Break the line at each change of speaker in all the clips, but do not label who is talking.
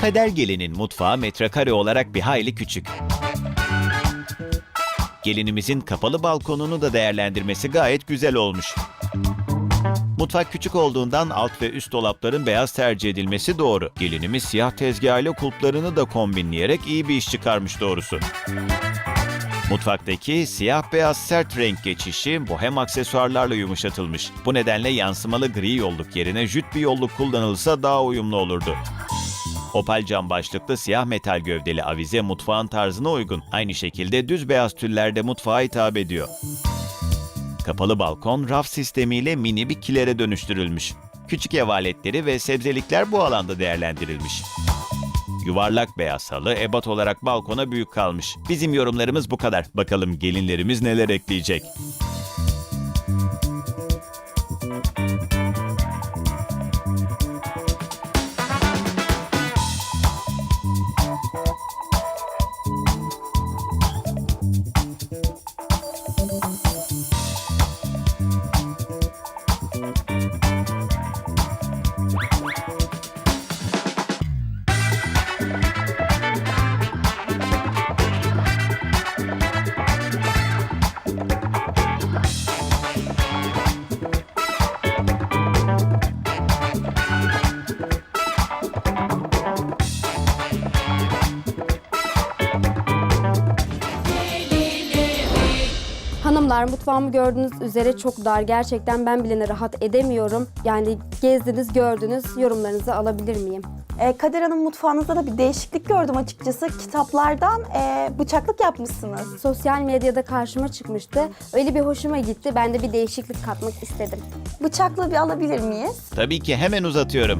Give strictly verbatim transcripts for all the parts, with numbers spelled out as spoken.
Kader Gelin'in mutfağı metrekare olarak bir hayli küçük. Gelinimizin kapalı balkonunu da değerlendirmesi gayet güzel olmuş. Mutfak küçük olduğundan alt ve üst dolapların beyaz tercih edilmesi doğru. Gelinimiz siyah tezgahıyla kulplarını da kombinleyerek iyi bir iş çıkarmış doğrusu. Mutfaktaki siyah-beyaz sert renk geçişi bohem aksesuarlarla yumuşatılmış. Bu nedenle yansımalı gri yolluk yerine jüt bir yolluk kullanılsa daha uyumlu olurdu. Opal cam başlıklı siyah metal gövdeli avize mutfağın tarzına uygun. Aynı şekilde düz beyaz tüller de mutfağa hitap ediyor. Kapalı balkon raf sistemiyle mini bir kilere dönüştürülmüş. Küçük ev aletleri ve sebzelikler bu alanda değerlendirilmiş. Yuvarlak beyaz halı ebat olarak balkona büyük kalmış. Bizim yorumlarımız bu kadar. Bakalım gelinlerimiz neler ekleyecek?
Hanımlar, mutfağımı gördüğünüz üzere çok dar. Gerçekten ben bile rahat edemiyorum. Yani gezdiniz, gördünüz. Yorumlarınızı alabilir miyim?
Ee, Kader Hanım, mutfağınızda da bir değişiklik gördüm açıkçası. Kitaplardan e, bıçaklık yapmışsınız.
Sosyal medyada karşıma çıkmıştı. Öyle bir hoşuma gitti. Ben de bir değişiklik katmak istedim.
Bıçaklığı bir alabilir miyiz?
Tabii ki hemen uzatıyorum.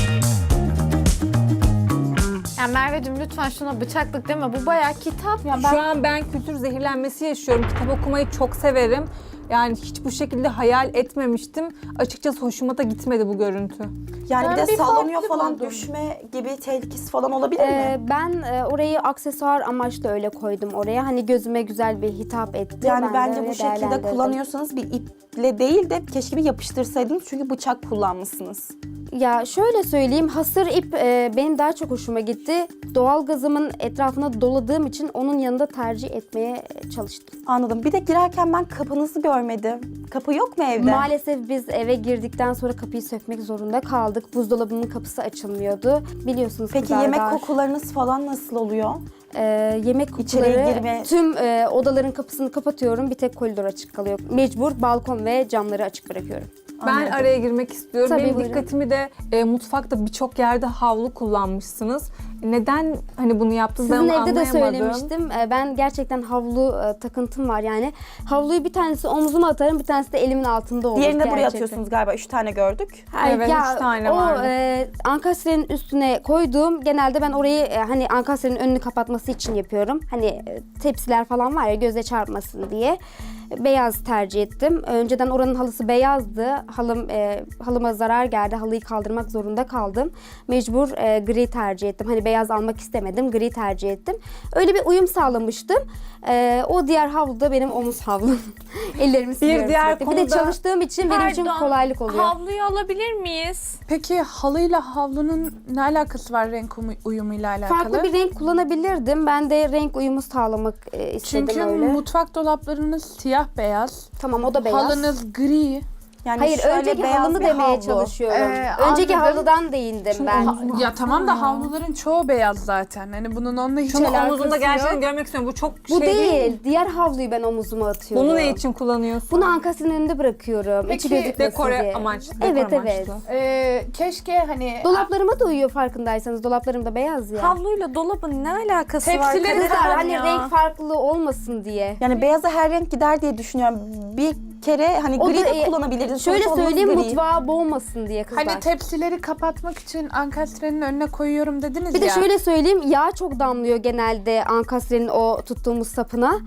Yani Merveciğim lütfen şuna bıçaklık deme. Bu bayağı kitap.
Ya ben... Şu an ben kültür zehirlenmesi yaşıyorum. Kitap okumayı çok severim. Yani hiç bu şekilde hayal etmemiştim. Açıkçası hoşuma da gitmedi bu görüntü.
Yani
Ben
bir de
bir
sallanıyor
farklı
falan,
buldum.
düşme gibi tehlikesi falan olabilir
Ee,
mi?
ben e, orayı aksesuar amaçlı öyle koydum oraya. Hani gözüme güzel bir hitap etti.
Yani
Ben de
bence
öyle
bu şekilde
değerlendirdim.
kullanıyorsanız bir iple değil de keşke bir yapıştırsaydınız, çünkü bıçak kullanmışsınız.
Ya şöyle söyleyeyim, hasır ip e, benim daha çok hoşuma gitti. Doğalgazımın etrafına doladığım için onun yanında tercih etmeye çalıştım.
Anladım. Bir de girerken ben kapınızı görmedim. Kapı yok mu evde?
Maalesef biz eve girdikten sonra kapıyı sökmek zorunda kaldık. Buzdolabının kapısı açılmıyordu. Biliyorsunuz
Peki
kızlar
yemek
dar.
kokularınız falan nasıl oluyor?
Ee, yemek
İçeriye
kokuları,
girme-
tüm e, odaların kapısını kapatıyorum. Bir tek koridor açık kalıyor. Mecbur balkon ve camları açık bırakıyorum.
Ben
Anladım.
araya girmek istiyorum.
Tabii,
Benim
buyurun.
dikkatimi de e, mutfakta birçok yerde havlu kullanmışsınız. Neden hani bunu yaptınız ben
Sizin
onu
evde de
anlayamadım.
söylemiştim. Ee, Ben gerçekten havlu e, takıntım var yani. Havluyu bir tanesi omzuma atarım, bir tanesi de elimin altında olur.
Diğerini de buraya
gerçekten.
atıyorsunuz galiba. Üç tane gördük.
Hayır,
Evet,
ya,
üç tane
o,
vardı.
e, ankastrenin üstüne koyduğum, genelde ben orayı e, hani ankastrenin önünü kapatması için yapıyorum. Hani e, tepsiler falan var ya, göze çarpmasın diye. Beyaz tercih ettim. Önceden oranın halısı beyazdı. Halım e, halıma zarar geldi. Halıyı kaldırmak zorunda kaldım. Mecbur e, gri tercih ettim. Hani beyaz almak istemedim. Gri tercih ettim. Öyle bir uyum sağlamıştım. E, o diğer havlu da benim omuz havlum. Ellerimi siliyorum
diğer
sürekli. Bir de
konuda-
çalıştığım için benim için
Pardon,
kolaylık oluyor.
Havluyu alabilir miyiz?
Peki halıyla havlunun ne alakası var renk umu- uyumuyla alakalı?
Farklı bir renk kullanabilirdim. Ben de renk uyumu sağlamak e, istedim
Çünkü
öyle.
mutfak dolaplarınız siyah beyaz,
Tamam, o da beyaz.
halınız gri.
Yani
Hayır,
şöyle
önceki
beyaz
halını
bir
demeye
havlu.
çalışıyorum.
Ee,
önceki
anladım.
halıdan değindim ben.
Ha- ya tamam da havluların çoğu beyaz zaten. Hani bunun onunla hiç
Şunu
alakası
omuzunda
yok.
gerçekten görmek istiyorum. Bu çok
Bu
şey
değil.
değil.
Diğer havluyu ben omuzuma atıyorum.
Bunu ne için kullanıyorsun?
Bunu ankasının önünde bırakıyorum.
Peki,
İçi gözükmesin
dekore
diye.
amaçlı, dekor
Evet, evet.
amaçlı.
Ee, keşke hani
Dolaplarıma da uyuyor farkındaysanız. Dolaplarım da beyaz ya.
Havluyla dolabın ne alakası var?
Tepsileri
Kader
Kızlar,
Hanım
hani
ya?
renk farklı olmasın diye.
Yani beyaza her renk gider diye düşünüyorum. Bir kere hani
O
gri
da,
de
e,
kullanabilirdiniz.
Şöyle
Sonuçta halınız
söyleyeyim,
gri.
mutfağı boğmasın diye kızlar.
hani tepsileri kapatmak için ankastrenin önüne koyuyorum dediniz
Bir de
ya.
şöyle söyleyeyim, yağ çok damlıyor genelde ankastrenin o tuttuğumuz sapına.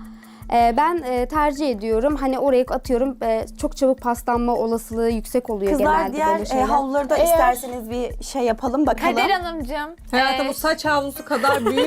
E, ben e, tercih ediyorum. Hani oraya atıyorum e, çok çabuk paslanma olasılığı yüksek oluyor
Kızlar
genelde
diğer
böyle
e,
şeyler.
havluları da
Eğer-
isterseniz bir şey yapalım bakalım.
Kader Hanımcığım.
Hayatım
e,
bu saç havlusu kadar büyük.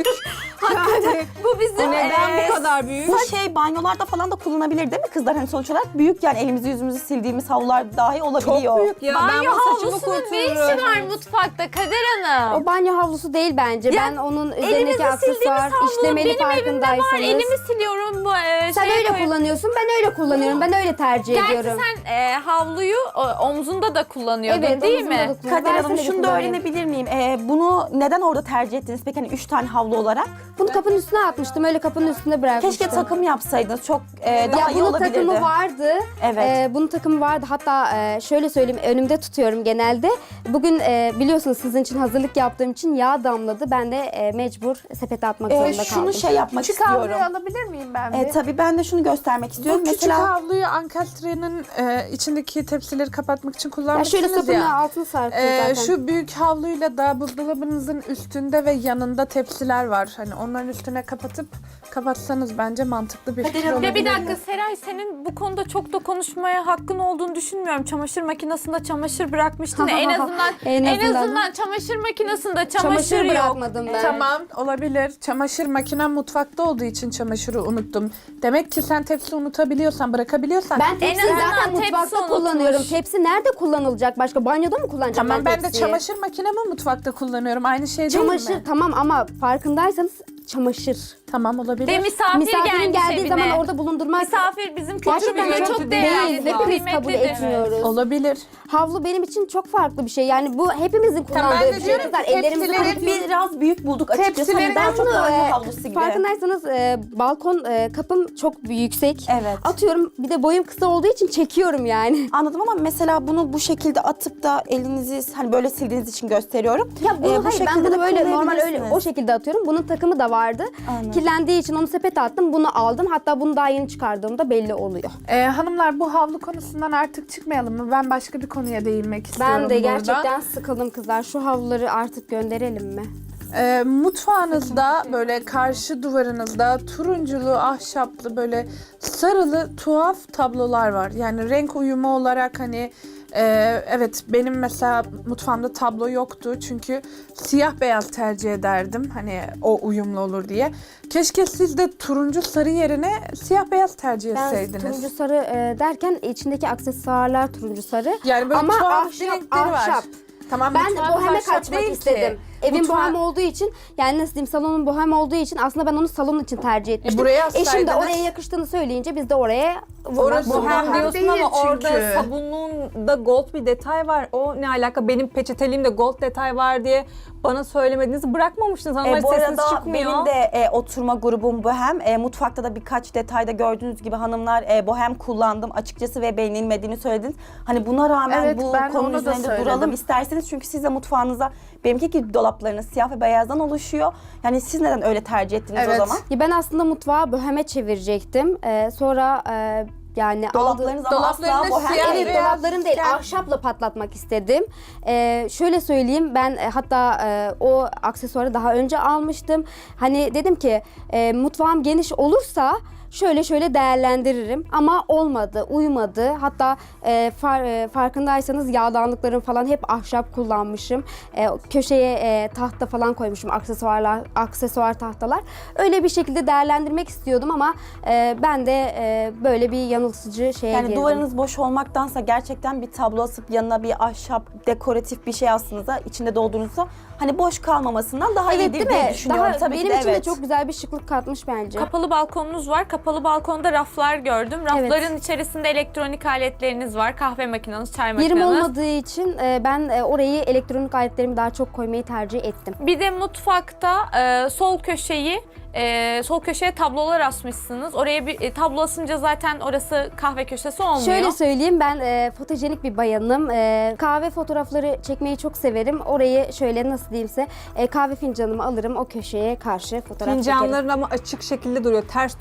yani
bu bizim
neden
e,
bu kadar büyük?
Bu şey banyolarda falan da kullanabilir değil mi kızlar? Hani sonuç olarak büyük, yani elimizi yüzümüzü sildiğimiz havlular dahi olabiliyor.
Çok büyük ya. ben
banyo
bu saçımı
havlusunun ne işi
kurtururum.
var mutfakta Kader Hanım?
O banyo havlusu değil bence.
Ya,
ben onun
Elimizi
üzerindeki
sildiğimiz
aksesuar
havlu
işlemeli
benim evimde var.
farkındaysanız.
Elimi siliyorum bu e,
Sen
şeye
öyle
koyup-
kullanıyorsun, ben öyle kullanıyorum. Ben öyle tercih
Gerçi
ediyorum.
sen e, havluyu o, omzunda da kullanıyordun
Evet,
değil
omzumda
mi?
da kullanıyorum.
Kader Hanım
Versene bir
şunu da
kullanayım.
öğrenebilir miyim? E, bunu neden orada tercih ettiniz? Peki hani üç tane havlu olarak.
Bunu kapının üstüne atmıştım. Öyle kapının üstüne bırakmıştım.
Keşke takım yapsaydınız. Çok e, daha
Ya
iyi
bunun
olabilirdi.
takımı vardı.
Evet.
Ee, bunun takımı vardı. Hatta e, şöyle söyleyeyim, önümde tutuyorum genelde. Bugün e, biliyorsunuz sizin için hazırlık yaptığım için yağ damladı. Ben de e, mecbur sepete atmak
E,
zorunda
şunu
kaldım.
şey yapmak
Küçük
istiyorum.
havluyu alabilir miyim ben bir?
E, tabii ben de şunu göstermek istiyorum.
Bu küçük
Mesela
havluyu ankastrenin e, içindeki tepsileri kapatmak için
ya
kullanmışsınız
şöyle
ya.
sapını altını sarkıyor
Ee,
zaten.
şu büyük havluyla da buzdolabınızın üstünde ve yanında tepsiler var. Hani onların üstüne kapatıp kapatsanız bence mantıklı bir fikir
Hanım,
olabilir.
Ya bir dakika Seray, senin bu konuda çok da konuşmaya hakkın olduğunu düşünmüyorum. Çamaşır makinesinde çamaşır bırakmıştın. ya. en azından
En
en
azından.
azından çamaşır makinesinde çamaşır,
Çamaşır
yok.
bırakmadım ben.
Tamam, olabilir. Çamaşır makinem mutfakta olduğu için çamaşırı unuttum. Demek ki sen tepsi unutabiliyorsan, bırakabiliyorsan.
Ben tepsiyi
azından
zaten
tepsi
mutfakta
unutmuş.
kullanıyorum. Tepsi nerede kullanılacak? Başka banyoda mı kullanacağım
Tamam,
ben
ben de
tepsiyi?
çamaşır makinemi mutfakta kullanıyorum. Aynı şey değil
Çamaşır
mi?
tamam ama farkındaysanız çamaşır.
Tamam, olabilir.
Ve misafir
Misafirin
gelmiş
geldiği
evine.
zaman orada bulundurmak
Misafir bizim
gerçekten
kültürümüzde
çok
çok
değil.
değerli, çok
Hepimiz kabul
kıymetlidir.
etmiyoruz.
Olabilir.
Havlu benim için çok farklı bir şey. Yani bu hepimizin
Tamam, ben
kullandığı
de
bir şey.
diyorum
Kızlar
ki
ellerimizi
tepsileri
kurutuyoruz.
biraz büyük bulduk açıkçası.
Tepsileri
Hani daha
ben
çok
bunu,
banyo
e,
havlusu gibi.
Farkındaysanız e, balkon e, kapım çok yüksek.
Evet.
Atıyorum, bir de boyum kısa olduğu için çekiyorum yani.
Anladım ama mesela bunu bu şekilde atıp da elinizi hani böyle sildiğiniz için gösteriyorum.
Ya bunu
Ee, bu
hayır, ben
şekilde
bunu
de
böyle normal öyle
kullanabilirsiniz.
o şekilde atıyorum. Bunun takımı da vardı.
Anladım.
Kirlendiği için onu sepete attım. Bunu aldım. Hatta bunu daha yeni çıkardığımda belli oluyor.
Ee, hanımlar, bu havlu konusundan artık çıkmayalım mı? Ben başka bir konuya değinmek istiyorum
Ben de
burada.
gerçekten sıkıldım kızlar. Şu havluları artık gönderelim mi?
Ee, mutfağınızda böyle karşı duvarınızda turunculu, ahşaplı, böyle sarılı tuhaf tablolar var. Yani renk uyumu olarak hani e, evet, benim mesela mutfağımda tablo yoktu çünkü siyah beyaz tercih ederdim hani o uyumlu olur diye. Keşke siz de turuncu sarı yerine siyah beyaz tercih
Ben
etseydiniz.
turuncu sarı e, derken içindeki aksesuarlar turuncu sarı.
Yani böyle
Ama
tuhaf
ahşap,
renkleri var.
ahşap.
Tamam,
Ben de
mutfağınız
boheme
ahşap
kaçmak
değil ki.
istedim. Evin
Mutfağı-
bohem olduğu için, yani nasıl diyeyim, salonun bohem olduğu için aslında ben onu salon için tercih etmiştim.
buraya
Eşim de
assaydınız.
oraya yakıştığını söyleyince biz de oraya
Orası
bohem-
Bohem
bohem
diyorsun
değil
ama
çünkü.
orada sabunluğunda gold bir detay var. O ne alaka? Benim peçeteliğimde gold detay var diye bana söylemediğinizi bırakmamıştınız. Hanımlar
E, bu
sesiniz
arada
çıkmıyor.
benim de e, oturma grubum bohem. E, mutfakta da birkaç detayda gördüğünüz gibi hanımlar e, bohem kullandım açıkçası ve beğenilmediğini söylediniz. Hani buna rağmen
Evet,
bu
ben
konunun
onu da
üzerinde
söyledim.
duralım isterseniz. Çünkü siz de mutfağınıza, benimki gibi dolaplarınız siyah ve beyazdan oluşuyor. Yani siz neden öyle tercih ettiniz
Evet.
o zaman?
Ya ben aslında mutfağı boheme çevirecektim. Ee, sonra e, yani
Dolaplarınız
aldı-
ama asla
Dolaplarınız
bohem
siyah
değil.
Evet,
beyaz
dolapların değil,
yani.
ahşapla patlatmak istedim. Ee, şöyle söyleyeyim, ben e, hatta e, o aksesuarı daha önce almıştım. Hani dedim ki e, mutfağım geniş olursa şöyle şöyle değerlendiririm, ama olmadı, uymadı. Hatta e, far, e, farkındaysanız yağdanlıklarım falan hep ahşap kullanmışım. E, köşeye e, tahta falan koymuşum, aksesuarlar, aksesuar tahtalar. Öyle bir şekilde değerlendirmek istiyordum ama e, ben de e, böyle bir yanıltıcı şeye
Yani
girdim.
duvarınız boş olmaktansa gerçekten bir tablo asıp yanına bir ahşap dekoratif bir şey aslında içinde doldurunuzsa hani boş kalmamasından daha
Evet,
iyidir
değil
diye
mi?
düşünüyorum.
Daha,
Tabii
benim
ki de
için
evet.
de çok güzel bir şıklık katmış bence.
Kapalı balkonunuz var. Kapalı balkonda raflar gördüm. Rafların içerisinde elektronik aletleriniz var. Kahve makineniz, çay
Yerim
makineniz.
olmadığı için e, ben e, orayı elektronik aletlerimi daha çok koymayı tercih ettim.
Bir de mutfakta e, sol köşeyi e, sol köşeye tablolar asmışsınız. Oraya bir e, tablo asınca zaten orası kahve köşesi olmuyor.
Şöyle söyleyeyim, ben e, fotojenik bir bayanım. E, kahve fotoğrafları çekmeyi çok severim. Orayı şöyle nasıl diyeyimse e, kahve fincanımı alırım, o köşeye karşı fotoğraf çekerim.
Fincanların ama açık şekilde duruyor. Ters durmasın,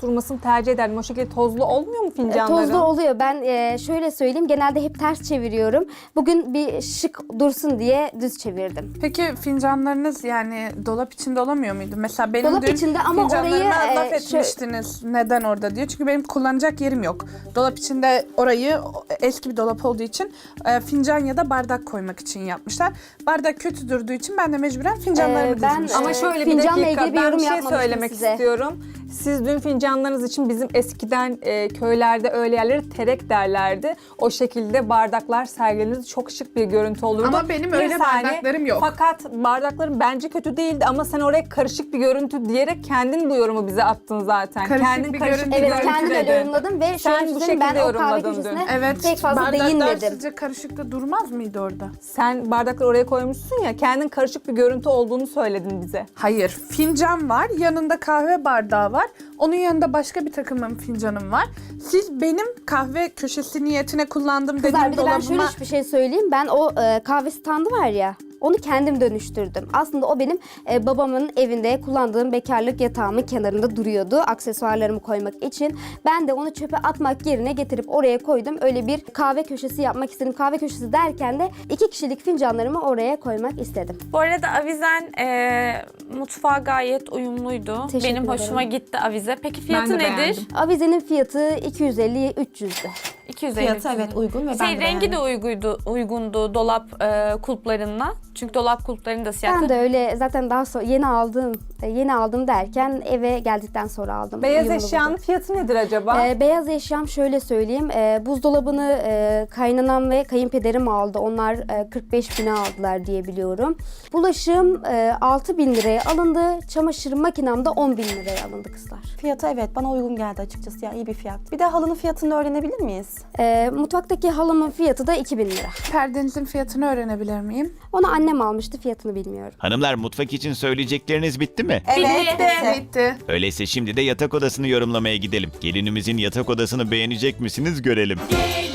tercih ederdim. O şekilde tozlu olmuyor mu
E,
fincanların?
Tozlu oluyor. Ben e, şöyle söyleyeyim, genelde hep ters çeviriyorum. Bugün bir şık dursun diye düz çevirdim.
Peki fincanlarınız yani dolap içinde olamıyor muydu? Mesela benim
Dolap
dün
içinde ama
fincanlarıma
orayı,
laf
e,
etmiştiniz. Neden orada diye. Çünkü benim kullanacak yerim yok. Dolap içinde orayı eski bir dolap olduğu için e, fincan ya da bardak koymak için yapmışlar. Bardak kötü durduğu için ben de mecburen fincanlarımı
Ee, ben,
dizmiştim.
Ama
Ee,
şöyle bir
fincanla
dakika,
ilgili bir
ben
yorum
bir şey
yapmamıştım
söylemek
size.
istiyorum. Siz dün fincanlarınız için bizim eskiden e, köylerde öyle yerlere terek derlerdi. O şekilde bardaklar sergilenirdi. Çok şık bir görüntü olurdu.
Ama benim
Bir
öyle
saniye,
bardaklarım yok.
Fakat bardakların bence kötü değildi ama sen oraya karışık bir görüntü diyerek kendin bu yorumu bize attın zaten.
Karışık
kendin
bir
karışık
görüntü
bir
Evet,
görüntü
kendim öyle
dedin.
yorumladım ve
Sen
şöyle
bu
söyleyeyim, ben
şekilde
o kahve
yorumladın
köşesine
dün.
Evet,
pek fazla
bardaklar
değinmedim.
sizce karışıkta durmaz mıydı orada?
Sen bardakları oraya koymuşsun ya, kendin karışık bir görüntü olduğunu söyledin bize.
Hayır, fincan var, yanında kahve bardağı var. Onun yanında başka bir takımın fincanım var. Siz benim kahve köşesi niyetine kullandığım
Kızlar,
dediğim
bir de ben şöyle
dolabıma...
bir şey söyleyeyim. Ben o e, kahve standı var ya, onu kendim dönüştürdüm. Aslında o benim e, babamın evinde kullandığım bekarlık yatağımın kenarında duruyordu. Aksesuarlarımı koymak için. Ben de onu çöpe atmak yerine getirip oraya koydum. Öyle bir kahve köşesi yapmak istedim. Kahve köşesi derken de iki kişilik fincanlarımı oraya koymak istedim.
Bu arada avizen e, mutfağa gayet uyumluydu.
Teşekkür
Benim hoşuma
ederim.
gitti avize. Peki fiyatı
de
nedir?
beğendim.
Avizenin fiyatı iki yüz elli üç yüzdü.
iki yüz elli.
Fiyatı evet uygun ve ben
Şey,
de
rengi
beğendim.
de uyguydu, uygundu dolap e, kulplarına. Çünkü dolap kulplarının da siyah.
Ben de öyle zaten daha sonra yeni aldım, yeni aldım derken eve geldikten sonra aldım.
Beyaz
Uyumlu
eşyanın
buldum.
fiyatı nedir acaba?
Ee, beyaz eşyam şöyle söyleyeyim. Ee, buzdolabını e, kaynanam ve kayınpederim aldı. Onlar e, kırk beş bine aldılar diye biliyorum. Bulaşığım e, altı bin liraya alındı. Çamaşır makinem de on bin liraya alındı kızlar.
Fiyatı evet bana uygun geldi açıkçası ya, iyi bir fiyat. Bir de halının fiyatını öğrenebilir miyiz?
Ee, mutfaktaki halımın fiyatı da iki bin lira.
Perdenizin fiyatını öğrenebilir miyim?
Onu annem almıştı, fiyatını bilmiyorum.
Hanımlar, mutfak için söyleyecekleriniz bitti mi?
Evet.
Bitti.
Bitti.
Öyleyse şimdi de yatak odasını yorumlamaya gidelim. Gelinimizin yatak odasını beğenecek misiniz görelim.